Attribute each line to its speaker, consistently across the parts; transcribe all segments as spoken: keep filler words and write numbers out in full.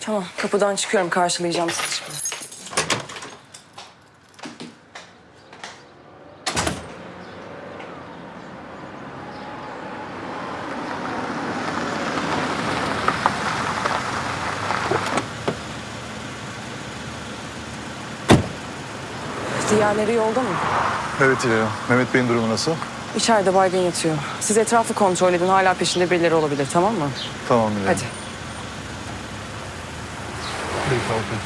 Speaker 1: Tamam, kapıdan çıkıyorum. Karşılayacağım sizi şimdi. Diğerleri yolda mı?
Speaker 2: Evet İlhan. Mehmet Bey'in durumu nasıl?
Speaker 1: İçeride baygın yatıyor. Siz etrafı kontrol edin. Hala peşinde birileri olabilir, tamam mı?
Speaker 2: Tamam İlhan.
Speaker 1: Hadi.
Speaker 2: Peki, kalkın.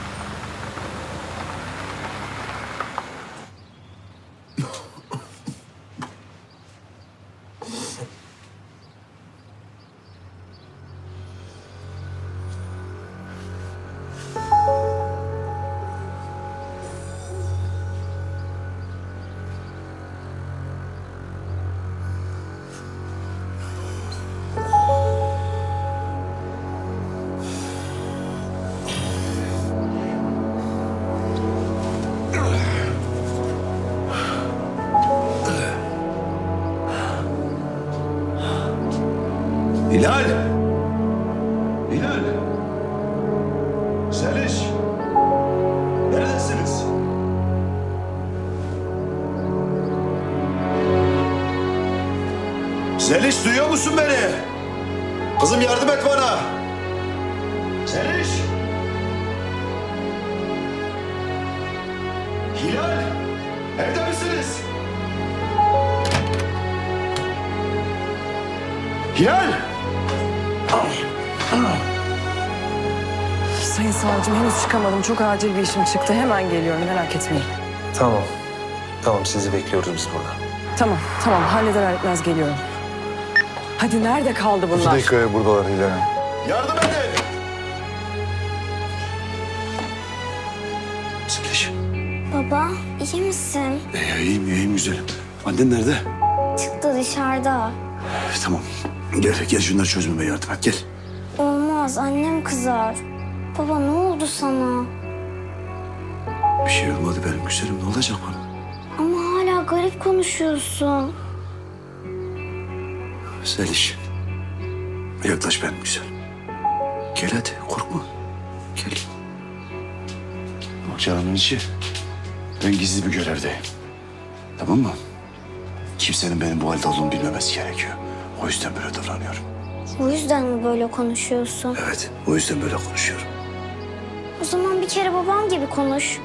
Speaker 3: Hilal! Hilal! Zeliş! Neredesiniz? Zeliş, duyuyor musun beni? Kızım yardım et bana! Zeliş! Hilal! Evde misiniz? Hilal!
Speaker 1: Sayın savcım, henüz çıkamadım. Çok acil bir işim çıktı. Hemen geliyorum, merak etmeyin.
Speaker 4: Tamam. Tamam, sizi bekliyoruz biz burada.
Speaker 1: Tamam, tamam. Halleder etmez geliyorum. Hadi, nerede kaldı
Speaker 2: İki
Speaker 1: bunlar?
Speaker 2: dakikaya buradalar İlhan.
Speaker 3: Yardım edin! Zeliş.
Speaker 5: Baba, iyi misin?
Speaker 3: Ee, iyiyim, iyiyim güzelim. Annen nerede?
Speaker 5: Çıktı dışarıda.
Speaker 3: Ee, tamam. Gel, gel şunları çözmeme yardım et. Gel.
Speaker 5: Olmaz, annem kızar. Baba, ne oldu sana?
Speaker 3: Bir şey olmadı benim güzelim. Ne olacak bana?
Speaker 5: Ama hala garip konuşuyorsun.
Speaker 3: Zeliş. Yaklaş benim güzelim. Gel hadi, korkma. Gel. Bak canımın içi. Ben gizli bir görevdeyim. Tamam mı? Kimsenin benim bu halde olduğumu bilmemesi gerekiyor. O yüzden böyle davranıyorum.
Speaker 5: O yüzden mi böyle konuşuyorsun?
Speaker 3: Evet, o yüzden böyle konuşuyorum.
Speaker 5: O zaman bir kere babam gibi konuş.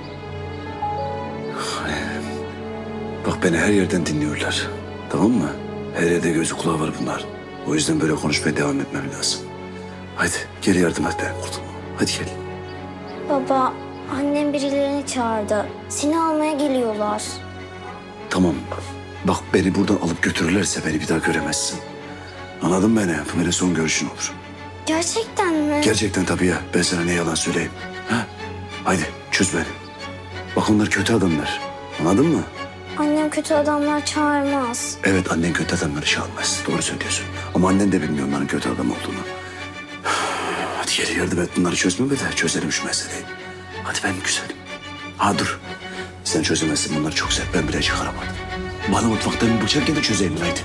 Speaker 3: Bak beni her yerden dinliyorlar. Tamam mı? Her yerde gözü kulağı var bunlar. O yüzden böyle konuşmaya devam etmem lazım. Hadi gel yardım et benim kurtulma. Hadi gel.
Speaker 5: Baba, annem birilerini çağırdı. Seni almaya geliyorlar.
Speaker 3: Tamam. Bak beni buradan alıp götürürlerse beni bir daha göremezsin. Anladın mı beni? Bu benim son görüşün olur.
Speaker 5: Gerçekten mi?
Speaker 3: Gerçekten tabii ya. Ben sana ne yalan söyleyeyim. Ha? Haydi çöz beni. Bak onlar kötü adamlar. Anladın mı?
Speaker 5: Annem kötü adamlar çağırmaz.
Speaker 3: Evet annen kötü adamları çalmaz. Doğru söylüyorsun. Ama annen de bilmiyor onların kötü adam olduğunu. Hadi gel yardım et bunları çözmeme de çözelim şu meseleyi. Hadi ben güzelim. Ha dur. Sen çözemezsin bunları çok sert. Ben bile çıkaramadım. Bana mutfaktan bir bıçak ya da çözeyim haydi.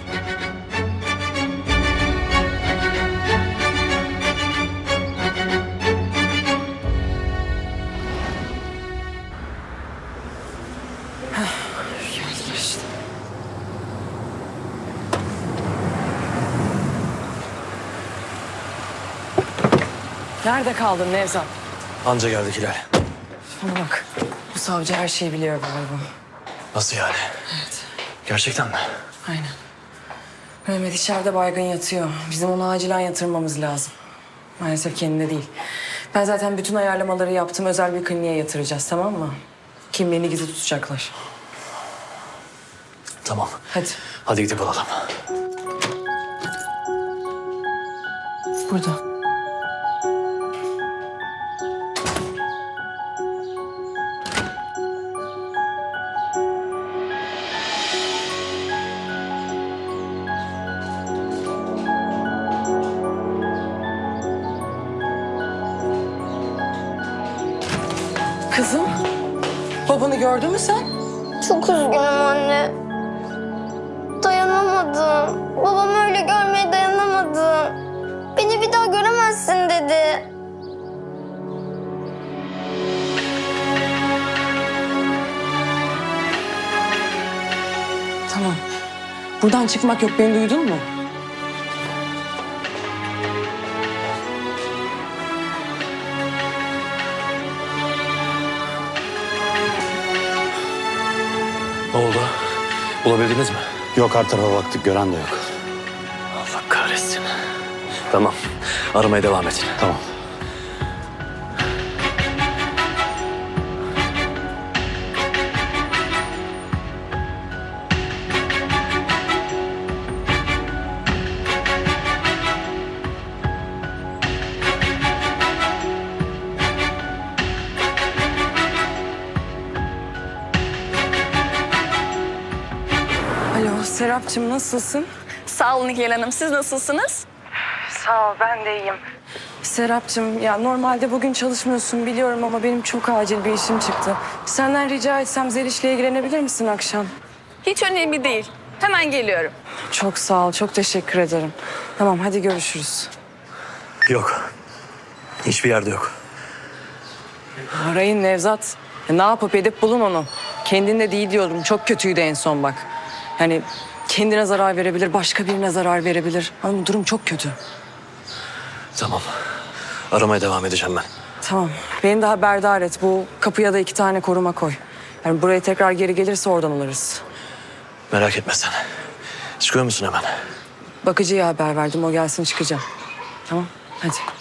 Speaker 1: Geldiler işte. Nerede kaldın Nevzat?
Speaker 4: Anca geldik Hilal.
Speaker 1: Bana bak, bu savcı her şeyi biliyor galiba.
Speaker 4: Nasıl yani?
Speaker 1: Evet,
Speaker 4: Gerçekten mi?
Speaker 1: aynen. Mehmet içeride baygın yatıyor. Bizim onu acilen yatırmamız lazım. Maalesef kendine değil. Ben zaten bütün ayarlamaları yaptım. Özel bir kliniğe yatıracağız, tamam mı? Kimliğini gizli tutacaklar.
Speaker 4: Tamam.
Speaker 1: Hadi.
Speaker 4: Hadi gidip alalım.
Speaker 1: Burada. Kızım, babanı gördün mü sen?
Speaker 5: Çok üzgünüm anne. Dayanamadım. Babam öyle görmeye dayanamadım. Beni bir daha göremezsin dedi.
Speaker 1: Buradan çıkmak yok, beni duydun mu?
Speaker 4: Ne oldu? Bulabildiniz mi?
Speaker 3: Yok, her tarafa baktık, gören de yok.
Speaker 4: Allah kahretsin. Tamam. Aramaya devam edin.
Speaker 3: Tamam.
Speaker 1: Alo Serapcığım, nasılsın?
Speaker 6: Sağ olun Nihal Hanım. Siz nasılsınız?
Speaker 1: Sağ ol, ben de iyiyim. Serapcığım, ya normalde bugün çalışmıyorsun biliyorum ama benim çok acil bir işim çıktı. Senden rica etsem Zeliş'le ilgilenebilir misin akşam?
Speaker 6: Hiç önemli değil. Hemen geliyorum.
Speaker 1: Çok sağ ol, çok teşekkür ederim. Tamam, hadi görüşürüz.
Speaker 4: Yok. Hiçbir yerde yok.
Speaker 1: Arayın Nevzat. Ya ne yapıp edip bulun onu. Kendinde değil diyorum, çok kötüydü en son bak. Yani kendine zarar verebilir, başka birine zarar verebilir. Ama durum çok kötü.
Speaker 4: Tamam. Aramaya devam edeceğim ben.
Speaker 1: Tamam, beni de haberdar et. Bu kapıya da iki tane koruma koy. Yani buraya tekrar geri gelirse oradan alırız.
Speaker 4: Merak etme sen. Çıkıyor musun hemen?
Speaker 1: Bakıcıya haber verdim, o gelsin çıkacağım. Tamam, hadi.